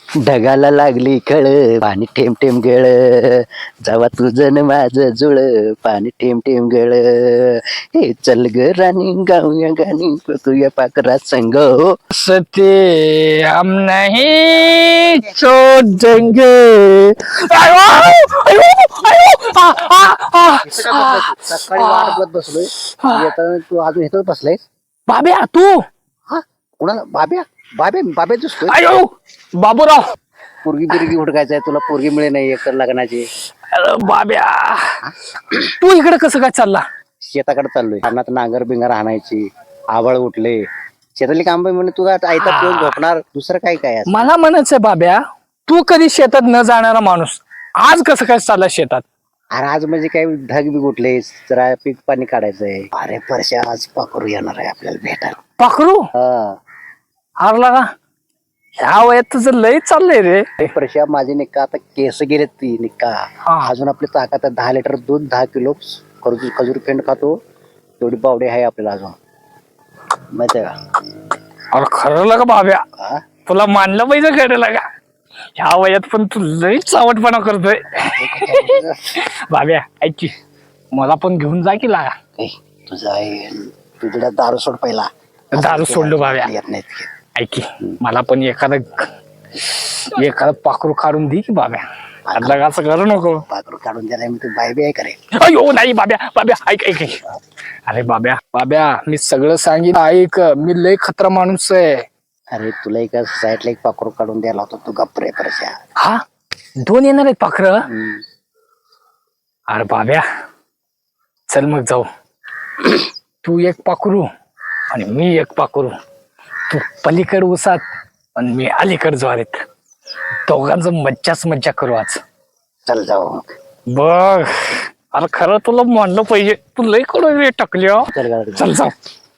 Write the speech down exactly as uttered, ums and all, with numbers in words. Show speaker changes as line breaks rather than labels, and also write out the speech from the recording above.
ढगाला लागली कळ पाणी ठेम ठेम गळ जावा तुझं न माझं जुळ पाणी ठेम ठेम गळ हे चल ग राणी गाऊया गाणी तुया पाकरा संग हो
सते हम नहीं छोड़ देंगे. आयो, आयो, आयो, आ, आ, आ,
सकाळी वाट बघत बसलोय येताना तू अजून इथंच बसलाय.
बाब्या तू
हा कुणाला बाब्या बाब्या बाब्या दिसतोय.
आयो बाबूराव.
पोरगी बिरगी हुडकायचंय तुला पोरगी मिळे नाही एकर लग्नाची.
अरे बाब्या तू इकडे कसं काय चालला.
शेताकडे चाललोय अन्नात नांगर बिंगर आणायची आभाळ उठले शेतातली काम म्हणून तू आयता पिऊन झोपणार दुसरं काय काय असं?
मला म्हणायचंय बाब्या तू कधी शेतात न जाणारा माणूस आज कसं काय चालला शेतात.
अरे आज म्हणजे काय ढग बी उठले जरा पीक पाणी काढायचंय. अरे परश्या आज पाखरू येणार आहे आपल्याला भेटायला.
पाखरू
हा
हारला का ह्या वयात तुझं लय चाललंय रे.
परश्या माझे निक्का आता केस गेलेत ती निक्का अजून आपली ताकद आहे. दहा लिटर दूध दहा किलो खजूर खजूर पेंड खातो तेवढी बावडी आहे आपल्याला अजून माहितीये का.
अरे खरं लगा बाब्या
हा?
तुला मानलं पाहिजे खरं लगा ह्या वयात पण तू लय चावटपणा करतोय. बाब्या ऐकी मला पण घेऊन जा की लागा.
ए, तुझा आहे तुझ्या दारू सोड पहिला.
दारू सोडलो बाब्या.
येत नाहीत.
ऐकी मला पण एखादं एखादं पाखरू काढून दे की बाब्या. आता असं करू नको.
पाखरू काढून द्यायला मी तू बाय बी आहे करे.
अयो नाही बाब्या बाब्या ऐक ऐक ऐक. अरे बाब्या बाब्या मी सगळं सांगितलं ऐक मी लय खतरा माणूस आहे.
अरे तुला एका साईडला एक पाखरू काढून द्यायला होता तू गप्प रे परश्या.
हा दोन येणार आहेत पाखर. अरे बाब्या चल मग जाऊ. तू एक पाखरू आणि मी एक पाखरू. तू पलीकड उसात आणि मी अलीकड ज्वारीत. दोघांचं मज्जाच मज्जा करू आज.
चल जाऊ
बघ अरे खरं तुला म्हणलं पाहिजे तू लय कडे टाकली.
चल गाडी.
चल जाऊ.